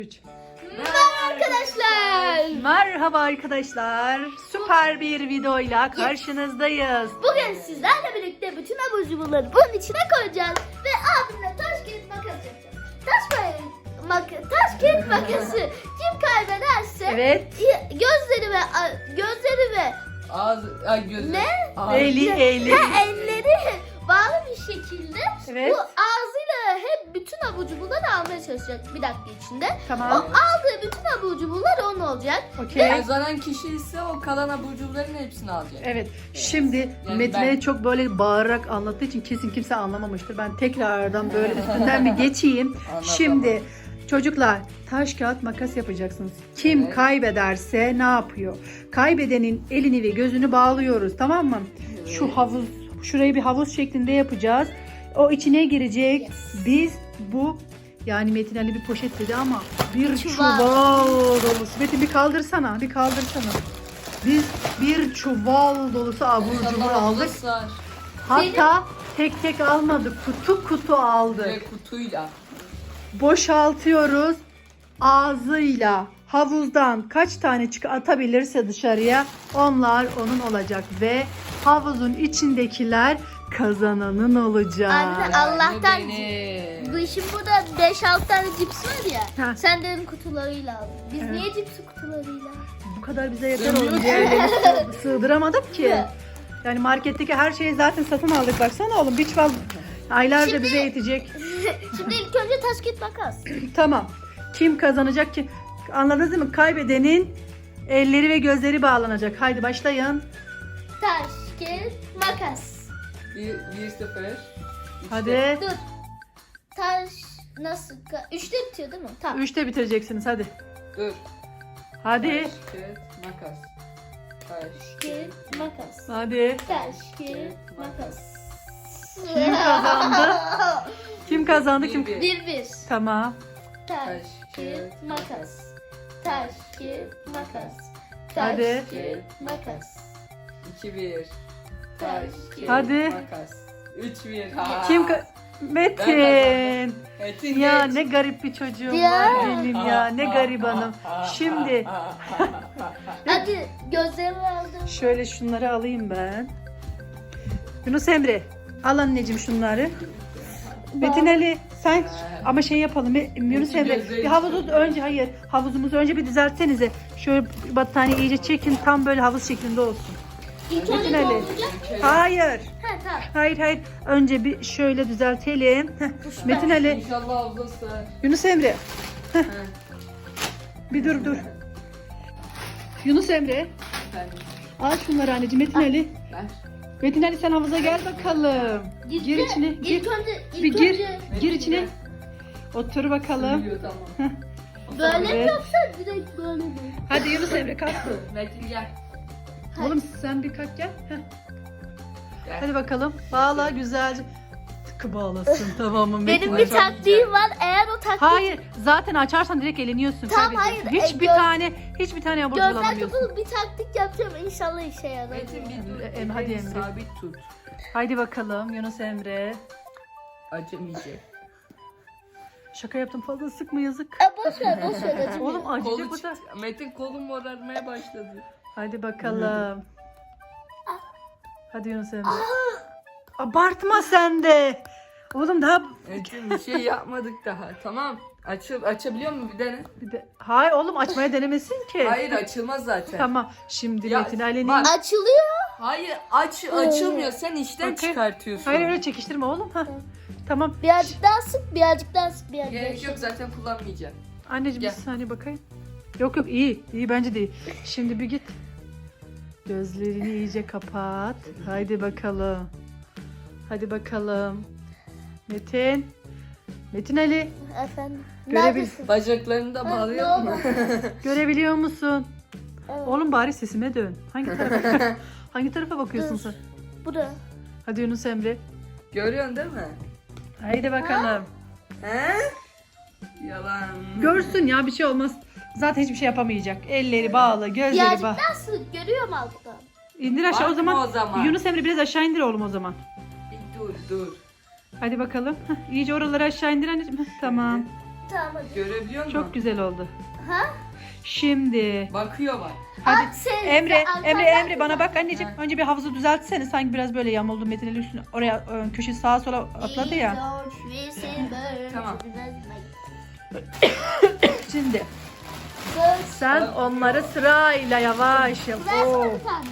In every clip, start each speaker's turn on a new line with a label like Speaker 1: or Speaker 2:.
Speaker 1: Merhaba arkadaşlar.
Speaker 2: Merhaba arkadaşlar. Süper bir videoyla karşınızdayız.
Speaker 1: Bugün sizlerle birlikte bütün abur cuburları bunun içine koyacağız ve abimle taş kağıt makas yapacağız. Taş kağıt makası kim kaybederse
Speaker 2: Evet.
Speaker 1: gözleri ve
Speaker 3: Gözü.
Speaker 1: Ne?
Speaker 2: Eli.
Speaker 1: elleri bağlı bir şekilde
Speaker 2: Evet.
Speaker 1: bu ağzıyla hep bütün abur cuburları almaya çalışacak bir dakika içinde. O
Speaker 2: Tamam.
Speaker 1: aldığı bütün abur cuburlar onun olacak.
Speaker 2: Okey.
Speaker 3: Kazanan kişi ise o kalan abur cuburların hepsini alacak.
Speaker 2: Evet. Şimdi
Speaker 3: Yani
Speaker 2: Metin
Speaker 3: ben-
Speaker 2: Ali çok böyle bağırarak anlattığı için kesin kimse anlamamıştır. Ben tekrardan böyle üstünden bir geçeyim.
Speaker 3: Anlat,
Speaker 2: Şimdi çocuklar taş kağıt makas yapacaksınız. Kim
Speaker 3: Evet.
Speaker 2: kaybederse ne yapıyor? Kaybedenin elini ve gözünü bağlıyoruz, tamam mı? Şu havuz, şurayı bir havuz şeklinde yapacağız. O içine girecek. Biz bu yani Metin Ali bir poşet dedi ama bir
Speaker 1: Çuval.
Speaker 2: çuval dolusu. Metin bir kaldırsana. Biz bir çuval dolusu abur cubur
Speaker 3: İnşallah
Speaker 2: aldık.
Speaker 3: sığar.
Speaker 2: Hatta tek tek almadık. Kutu aldık.
Speaker 3: Ve kutuyla.
Speaker 2: Boşaltıyoruz. Ağzıyla havuzdan kaç tane atabilirse dışarıya onlar onun olacak ve havuzun içindekiler kazananın olacak.
Speaker 1: Anne, Allah'tan
Speaker 3: Benim.
Speaker 1: bu işin burada 5-6 tane cips var ya.
Speaker 2: Ha.
Speaker 1: Sen dedim kutularıyla aldın. Biz
Speaker 2: Evet.
Speaker 1: niye cipsi kutularıyla aldık?
Speaker 2: Bu kadar bize yeter
Speaker 3: Sığmıyor
Speaker 2: oğlum.
Speaker 3: ki.
Speaker 2: Diğerlerini sığdıramadık ki. Yani marketteki her şeyi zaten satın aldık. Baksana oğlum bir çuval aylarca
Speaker 1: Şimdi-
Speaker 2: bize yetecek.
Speaker 1: Şimdi ilk önce taş kağıt makas.
Speaker 2: Tamam. Kim kazanacak ki? Anladınız değil mi? Kaybedenin elleri ve gözleri bağlanacak. Haydi başlayın.
Speaker 1: Taş kağıt makas.
Speaker 3: 1-0.
Speaker 2: Hadi.
Speaker 1: Dur. Taş nasıl? 3'te bitiyor değil mi? Tamam.
Speaker 2: 3'te bitireceksiniz hadi.
Speaker 3: Dur.
Speaker 2: Hadi.
Speaker 3: Taş, kağıt, makas. Taş,
Speaker 1: Kağıt makas.
Speaker 2: Hadi.
Speaker 1: Taş kağıt makas.
Speaker 2: Kim kazandı? Kim kazandı? Kim?
Speaker 3: 1-1.
Speaker 1: 1-1.
Speaker 2: Tamam.
Speaker 1: Taş kağıt makas. Taş kağıt makas. Taş
Speaker 2: Hadi.
Speaker 1: kağıt makas.
Speaker 3: 2-1. Taş, kağıt,
Speaker 2: Hadi.
Speaker 3: makas. 3-1. Ha.
Speaker 2: Kim Metin.
Speaker 3: Metin
Speaker 2: Ya
Speaker 3: geç.
Speaker 2: ne garip bir çocuğum
Speaker 1: Ya.
Speaker 2: var benim ya. Ne garibanım. Şimdi
Speaker 1: Hadi gözlerimi aldım.
Speaker 2: şöyle şunları alayım ben. Yunus Emre al anneciğim şunları. Metin Ali sen ama şey yapalım Yunus Emre bir havuzumuzu önce bir düzeltsenize. Şöyle battaniye iyice çekin tam böyle havuz şeklinde olsun.
Speaker 1: İlk
Speaker 2: Metin
Speaker 1: önce
Speaker 2: Ali.
Speaker 1: dolduracak.
Speaker 2: Hayır.
Speaker 1: Ha tamam.
Speaker 2: Hayır. Önce bir şöyle düzeltelim. Heh, Metin Ali,
Speaker 3: İnşallah abla sığar.
Speaker 2: Yunus Emre.
Speaker 3: He.
Speaker 2: Bir dur. Yunus Emre.
Speaker 3: Efendim,
Speaker 2: Al şunları anneciğim. Metin Ali.
Speaker 3: ver.
Speaker 2: Metin Ali sen havuza gel bakalım. Gir içine. Gir.
Speaker 1: İlk önce
Speaker 2: Bir gir.
Speaker 1: önce
Speaker 2: Gir içine. Otur bakalım.
Speaker 3: Biliyor, tamam.
Speaker 1: böyle mi
Speaker 2: Evet.
Speaker 1: yoksa direkt böyle mi?
Speaker 2: Hadi Yunus Emre kalk.
Speaker 3: Metin gel.
Speaker 2: Oğlum sen bir kalk gel. Heh.
Speaker 3: Gel.
Speaker 2: Hadi bakalım. Bağla güzelce. Tıkı bağlasın tamam mı Metin
Speaker 1: Benim
Speaker 2: Ali?
Speaker 1: bir taktiğim var. Eğer o taktik
Speaker 2: Hayır zaten açarsan direkt eleniyorsun.
Speaker 1: Tamam,
Speaker 2: kaybediyorsun.
Speaker 1: hayır,
Speaker 2: Hiçbir tane abur cubur
Speaker 1: gözler
Speaker 2: alamıyorsun.
Speaker 1: kapalı bir taktik yapacağım. İnşallah işe yarar.
Speaker 3: Metin bir dur.
Speaker 2: Hadi
Speaker 3: elini
Speaker 2: Emre.
Speaker 3: Sabit tut.
Speaker 2: Haydi bakalım Yunus Emre.
Speaker 3: Acımayacak.
Speaker 2: Şaka yaptım fazla sıkma yazık.
Speaker 1: Boş ver acımıyor.
Speaker 2: Oğlum acıyacak
Speaker 3: Kolu
Speaker 2: bu da.
Speaker 3: çıktı. Metin kolum morarmaya başladı.
Speaker 2: Hadi bakalım. Hadi Yunus Emre. Abartma sen de. Oğlum daha
Speaker 3: Metin bir şey yapmadık daha. Tamam. Açabiliyor mu bir tane?
Speaker 2: hayır oğlum açmaya denemesin ki.
Speaker 3: Hayır açılmaz zaten.
Speaker 2: Tamam. Şimdi
Speaker 3: Ya,
Speaker 2: Metin Ali'nin
Speaker 3: bak.
Speaker 1: Açılıyor.
Speaker 3: Hayır açılmıyor. Sen işten
Speaker 2: Okey.
Speaker 3: çıkartıyorsun.
Speaker 2: hayır öyle çekiştirme oğlum. Hah. Tamam.
Speaker 1: Birazcık daha sık, birazcık daha sık, birazcık daha
Speaker 3: Gerek
Speaker 1: sık.
Speaker 3: yok zaten kullanmayacağım.
Speaker 2: Anneciğim
Speaker 3: Gel.
Speaker 2: bir saniye bakayım. Yok iyi. İyi bence de iyi. Şimdi bir git. Gözlerini iyice kapat. Haydi bakalım. Hadi bakalım. Metin Ali
Speaker 1: Efendim.
Speaker 2: Görebil-
Speaker 1: Neredesin?
Speaker 3: Bacaklarını da
Speaker 1: Ha,
Speaker 3: bağlıyor
Speaker 1: ne
Speaker 3: mu?
Speaker 1: oldu?
Speaker 2: görebiliyor musun?
Speaker 1: Evet.
Speaker 2: Oğlum bari sesime dön. Hangi tarafa bakıyorsun
Speaker 1: Dur.
Speaker 2: sen?
Speaker 1: Buraya.
Speaker 2: Hadi Yunus Emre.
Speaker 3: Görüyorsun değil mi?
Speaker 2: Haydi bakalım.
Speaker 3: He? Yalan.
Speaker 2: Görsün ya bir şey olmaz. Zaten hiçbir şey yapamayacak. Elleri bağlı, gözleri
Speaker 1: Birazcık
Speaker 2: bağlı.
Speaker 1: daha sık, görüyor mu alttan?
Speaker 2: İndir aşağı o
Speaker 3: Bakma
Speaker 2: zaman.
Speaker 3: o zaman.
Speaker 2: Yunus Emre biraz aşağı indir oğlum o zaman.
Speaker 3: Bir dur.
Speaker 2: Hadi bakalım. İyice oraları aşağı indir anneciğim. Tamam.
Speaker 1: Tamam hadi.
Speaker 3: Görebiliyor musun?
Speaker 2: Çok güzel oldu.
Speaker 1: Ha?
Speaker 2: Şimdi
Speaker 3: Bakıyor bak.
Speaker 2: hadi
Speaker 1: At sen-
Speaker 2: Emre,
Speaker 1: sen
Speaker 2: Emre,
Speaker 1: arkadan
Speaker 2: Emre bana bak anneciğim. Önce bir havuzu düzeltsene. Sanki biraz böyle yamuldu Metin Ali üstüne. Oraya köşe sağa sola atladı ya.
Speaker 3: Tamam.
Speaker 2: Şimdi sen onları sırayla yavaş yap. Oo.
Speaker 1: Versene bir tane.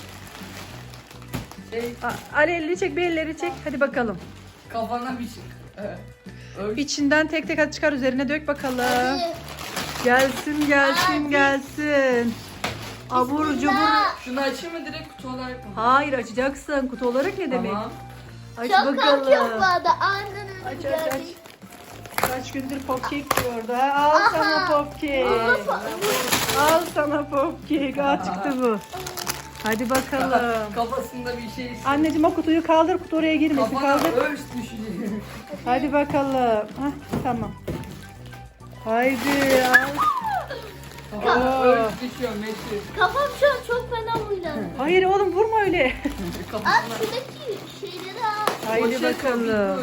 Speaker 3: Şey,
Speaker 2: Ali elini çek, bir elleri çek. Hadi bakalım.
Speaker 3: kafana bir şey. Öyle.
Speaker 2: İçinden tek tek hadi çıkar, üzerine dök bakalım.
Speaker 1: Hadi.
Speaker 2: Gelsin, gelsin,
Speaker 1: Hadi.
Speaker 2: gelsin. Abur cubur.
Speaker 1: Bismillah.
Speaker 3: Şunu açayım mı direkt kutu olarak mı?
Speaker 2: Hayır, açacaksın. Kutu olarak ne demek?
Speaker 3: Tamam.
Speaker 2: Aç
Speaker 1: Çok korkuyorum bu
Speaker 2: bakalım.
Speaker 1: arada. Aniden
Speaker 2: Aç
Speaker 1: önce
Speaker 2: aç aç. Kaç gündür popkek diyordu ha? Al sana popkek. Al sana popkek. Al çıktı bu. Hadi bakalım.
Speaker 3: Kafasında bir şey istiyor.
Speaker 2: Anneciğim o kutuyu kaldır. Kutu oraya girmesin.
Speaker 3: Kafana
Speaker 2: Kaldır.
Speaker 3: örs düşecek.
Speaker 2: Hadi bakalım. Hah, tamam. Haydi al.
Speaker 3: Kafana
Speaker 2: Oo.
Speaker 3: örs düşüyor Metin.
Speaker 1: Kafam şu an çok fena huylandı.
Speaker 2: Hayır oğlum vurma öyle.
Speaker 1: At
Speaker 3: Kafasına.
Speaker 1: şuradaki şeyleri al.
Speaker 2: Haydi
Speaker 3: Poşet
Speaker 2: bakalım.
Speaker 3: koyuyor.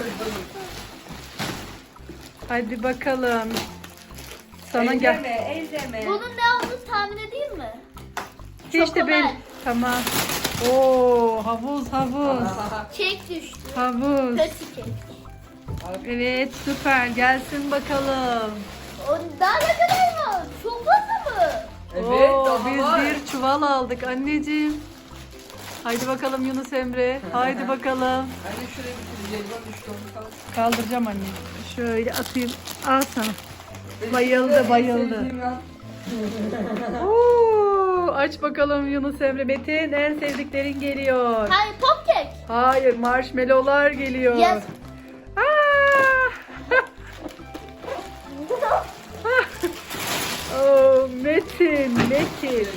Speaker 2: Hadi bakalım. Sana gel.
Speaker 3: Elleme.
Speaker 1: Bunun ne olduğunu tahmin edeyim mi?
Speaker 2: İşte
Speaker 1: Çokomel.
Speaker 2: ben. Tamam. Oo havuz havuz.
Speaker 1: Kek düştü.
Speaker 2: Havuz.
Speaker 1: Kötü kek.
Speaker 2: Evet süper. Gelsin bakalım.
Speaker 1: O daha ne kadar var? Çok fazla mı?
Speaker 3: Evet,
Speaker 2: Oo,
Speaker 3: daha
Speaker 2: biz
Speaker 3: var.
Speaker 2: bir çuval aldık anneciğim. Haydi bakalım Yunus Emre. Haydi bakalım.
Speaker 3: Anne şuraya bir jelibon düştü onu kaldı.
Speaker 2: Kaldıracağım anne. Şöyle atayım. Al sana. Bayıldı, bayıldı. Oo, aç bakalım Yunus Emre. Metin en sevdiklerin geliyor.
Speaker 1: Hayır pop kek.
Speaker 2: Hayır, marshmallowlar geliyor.
Speaker 1: Yes.
Speaker 2: Aa! Oo, Metin, Metin.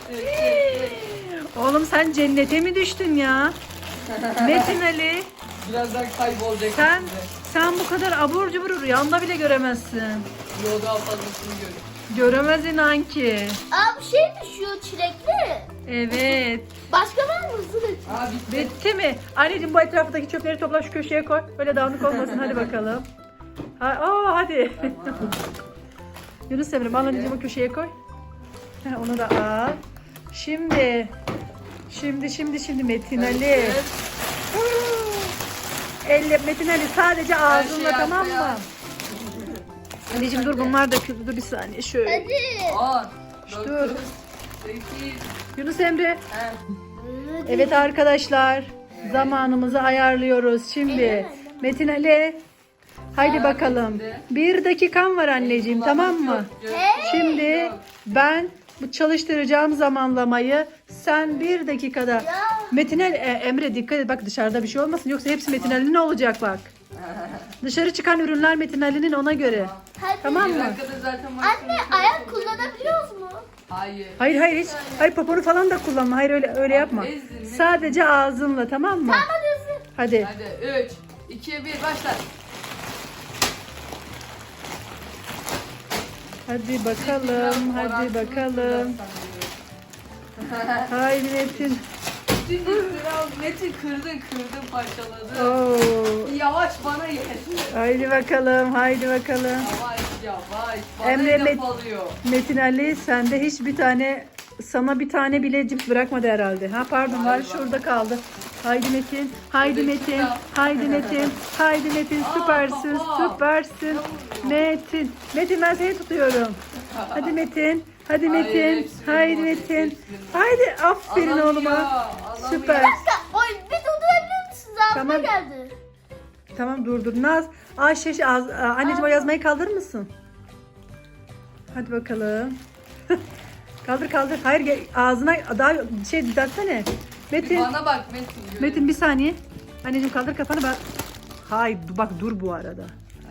Speaker 2: Oğlum sen cennete mi düştün ya? Metin Ali,
Speaker 3: Birazdan kaybolacak.
Speaker 2: sen
Speaker 3: içinde.
Speaker 2: sen bu kadar abur cubur rüyanda bile göremezsin.
Speaker 3: Yo, daha fazlasını görüyorum.
Speaker 2: Göremez inan ki.
Speaker 1: Aa bu şey düşüyor çilekli.
Speaker 2: Evet.
Speaker 1: Başka var mı? Hızlı dök.
Speaker 3: Aa bitti.
Speaker 2: Bitti mi? Anneciğim bu etraftaki çöpleri topla şu köşeye koy. Böyle dağınık olmasın. Hadi bakalım. Hadi. Yunus Emre al anneciğim o köşeye koy. Onu da al. Şimdi Metin Ali.
Speaker 3: Evet.
Speaker 2: Elle Metin Ali sadece ağzınla
Speaker 3: şey
Speaker 2: tamam
Speaker 3: arkaya.
Speaker 2: mı? Anneciğim dur bunlar döküldü. Dur bir saniye şöyle.
Speaker 1: Hadi.
Speaker 3: 10,
Speaker 2: Dur.
Speaker 3: 9, 8,
Speaker 2: Yunus Emre.
Speaker 3: he.
Speaker 2: Evet arkadaşlar. Zamanımızı ayarlıyoruz. Şimdi
Speaker 1: Evet.
Speaker 2: Metin Ali. Haydi
Speaker 3: Ha,
Speaker 2: bakalım.
Speaker 3: bitti.
Speaker 2: 1 dakikan var anneciğim tamam mı? Şimdi ben bu çalıştıracağım zamanlamayı sen 1 dakikada.
Speaker 1: Ya.
Speaker 2: Metin Ali, Emre dikkat et bak dışarıda bir şey olmasın yoksa hepsi Metin Ali'nin olacak bak. Dışarı çıkan ürünler Metin Ali'nin ona göre.
Speaker 1: Hadi.
Speaker 2: Tamam
Speaker 3: Bir
Speaker 2: mı?
Speaker 3: dakikada zaten
Speaker 1: Anne ayak kullanabiliyoruz mu?
Speaker 3: Hayır.
Speaker 2: Hayır hiç. Hayır poponu falan da kullanma. Hayır öyle yapma.
Speaker 3: ezdin mi?
Speaker 2: Sadece ağzınla tamam mı?
Speaker 1: Hadi hızlı.
Speaker 2: Hadi.
Speaker 3: Hadi 3, 2, 1 başla.
Speaker 2: Hadi bakalım. Hadi bakalım. Haydi Metin.
Speaker 3: Şimdi sıra Metin kırdın parçaladı.
Speaker 2: Oo.
Speaker 3: Yavaş bana yeter.
Speaker 2: Haydi bakalım. Haydi bakalım.
Speaker 3: Yavaş. Bana
Speaker 2: Emre
Speaker 3: laf
Speaker 2: Met-
Speaker 3: alıyor.
Speaker 2: Metin Ali sende hiçbir tane sana bir tane bile cips bırakmadı herhalde. Ha pardon var şurada kaldı. Haydi Metin. Haydi
Speaker 3: Şurada
Speaker 2: Metin.
Speaker 3: şurada.
Speaker 2: Haydi Metin. Haydi Metin.
Speaker 3: Aa,
Speaker 2: Süpersin.
Speaker 3: baba.
Speaker 2: Süpersin. Metin. Metin ben seni tutuyorum. Hadi Metin. Hadi
Speaker 3: Hayır,
Speaker 2: Metin.
Speaker 3: hepsini
Speaker 2: Haydi
Speaker 3: bulamadı,
Speaker 2: Metin.
Speaker 3: hepsini.
Speaker 2: Haydi aferin
Speaker 3: Alamıyor,
Speaker 2: oğluma.
Speaker 3: alamıyor.
Speaker 2: Süper.
Speaker 1: Oy bir durdurabilir misiniz? Ağzıma
Speaker 2: Tamam.
Speaker 1: geldi.
Speaker 2: Tamam dur. Naz. Anneciğim o yazmayı kaldırır mısın? Hadi bakalım. kaldır. Hayır ağzına daha şey düzeltsene. Metin.
Speaker 3: Bana bak Metin.
Speaker 2: Metin bir saniye. Anneciğim kaldır kafanı ben. Hayır bak dur bu arada.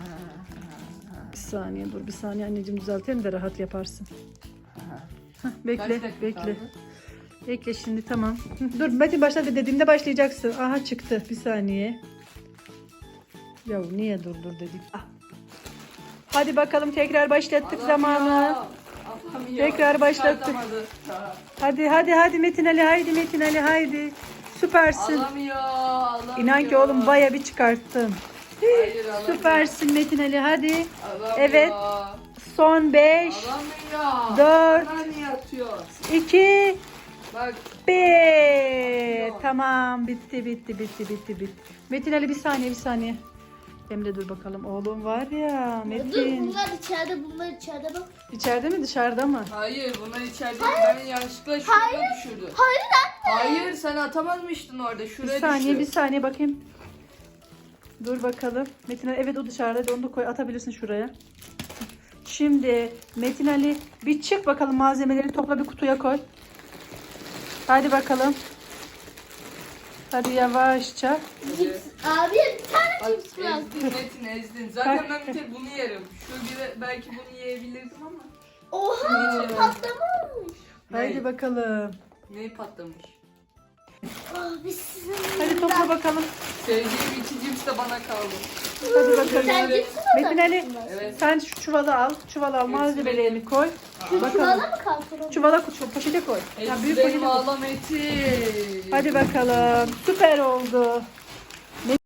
Speaker 2: Bir saniye anneciğim düzeltelim de rahat yaparsın. Hah,
Speaker 3: Kaç
Speaker 2: bekle
Speaker 3: dakika kaldı?
Speaker 2: Bekle şimdi tamam. Dur Metin başla dediğimde başlayacaksın. Aha çıktı bir saniye. Ya niye dur dedik. Ah. Hadi bakalım tekrar başlattık zamanı.
Speaker 3: Alamıyor.
Speaker 2: Tekrar başlattık.
Speaker 3: Çıkartamadı.
Speaker 2: Hadi Metin Ali haydi. Süpersin.
Speaker 3: Alamıyor.
Speaker 2: İnan ki oğlum baya bir çıkarttın.
Speaker 3: Hayır, alamıyor.
Speaker 2: Süpersin Metin Ali, hadi.
Speaker 3: Alamıyor.
Speaker 2: Evet. Son 5,
Speaker 3: Alamıyor.
Speaker 2: 4,
Speaker 3: Bana niye atıyor?
Speaker 2: 2,
Speaker 3: Bak.
Speaker 2: 1. Tamam, bitti. Metin Ali bir saniye. Emre dur bakalım, oğlum var ya
Speaker 1: Dur
Speaker 2: Metin.
Speaker 1: bunlar içeride bak.
Speaker 2: İçeride mi dışarıda mı?
Speaker 3: Hayır, bunlar içeride. Ben yanlışlıkla şuraya düşürdüm.
Speaker 1: Hayır anne.
Speaker 3: Hayır, sen atamazmıştın orada. Şuraya
Speaker 2: Bir
Speaker 3: düştü.
Speaker 2: saniye bakayım. Dur bakalım. Metin Ali evet o dışarıda. Hadi onu da koy, atabilirsin şuraya. Şimdi Metin Ali bir çık bakalım, malzemeleri topla, bir kutuya koy. Hadi bakalım. Hadi yavaşça.
Speaker 1: Cips. Abi bir tane
Speaker 3: Bak,
Speaker 1: cips bırak.
Speaker 3: ezdin Metin, ezdin. Zaten ben bir tek bunu yerim. Belki bunu yiyebilirdim ama.
Speaker 1: Oha patlamamış.
Speaker 2: Haydi
Speaker 3: Ne?
Speaker 2: bakalım.
Speaker 3: Neyi patlamış?
Speaker 1: Abi sizin
Speaker 2: Hadi topla bakalım.
Speaker 3: Sevdiğim iki cips de bana kaldı.
Speaker 2: Hadi bakalım.
Speaker 1: Sen cipsi mi
Speaker 2: Metin Ali
Speaker 3: Evet.
Speaker 2: sen şu çuvalı al. Malzemelerini koy.
Speaker 1: Çuvala
Speaker 2: Bakalım.
Speaker 1: mı kalkalım?
Speaker 2: Çuvala poşete koy. Ya, büyük
Speaker 3: Benim
Speaker 2: poşete koy.
Speaker 3: ağla Metin.
Speaker 2: Hadi bakalım. Süper oldu.